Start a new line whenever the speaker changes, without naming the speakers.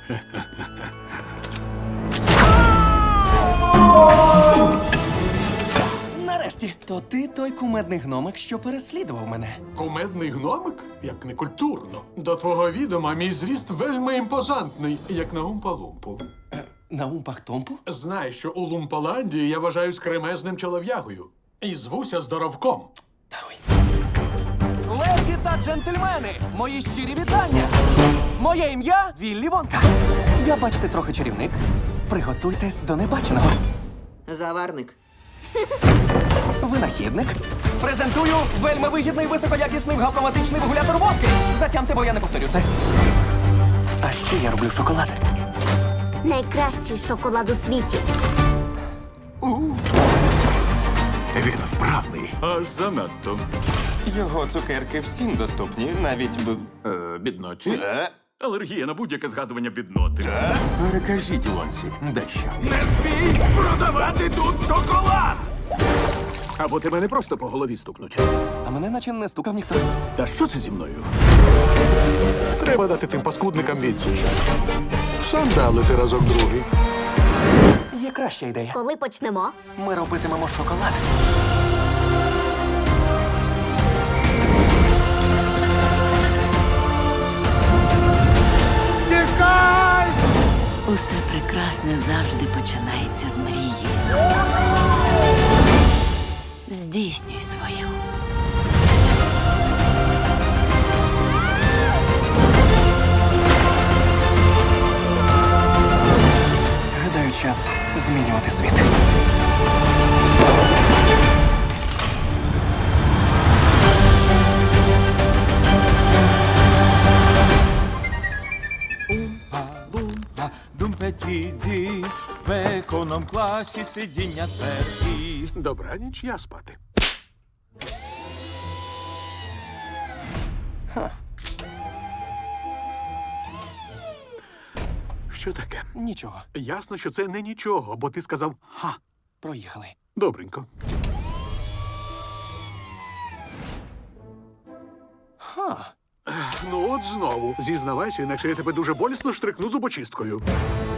Нарешті, то ти той кумедний гномик, що переслідував мене.
Кумедний гномик? Як некультурно. До твого відома мій зріст вельми імпозантний, як на Умпа-Лумпу.
На умпах-томпу?
Знай, що у Лумпаландії я вважаюсь кремезним чолов'ягою. І звуся Здоровком.
Даруй. Леді та джентльмени, мої щирі вітання! Моє ім'я Віллі Вонка. Я, бачите, трохи чарівник. Приготуйтесь до небаченого.
Заварник.
Винахідник. Презентую вельми вигідний високоякісний гавкоматичний вигулятор водки. Затямте, бо я не повторю це. А ще я роблю шоколад.
Найкращий шоколад у світі.
Він вправний.
Аж занадто.
Його цукерки всім доступні, навіть
Бідноті. Алергія на будь-яке згадування бідноти.
Перекажіть Лонсі дещо.
Не смій продавати тут шоколад!
Або тебе не просто по голові стукнуть.
А мене наче не стукав ніхто.
Та що це зі мною?
Треба дати тим паскудникам відсіч. Сандалити разок другий.
Є краща ідея.
Коли почнемо?
Ми робитимемо шоколад.
Усе прекрасне завжди починається з мрії. Здійснюй свою.
Гадаю, час змінювати світ.
Думпетіді, в економ-класі сидіння тверді.
Добраніч, я спати. Що таке?
Нічого.
Ясно, що це не нічого, бо ти сказав «ха».
Проїхали.
Добренько.
Ха.
Ну от знову. Зізнавайся, інакше я тебе дуже болісно штрикну зубочисткою.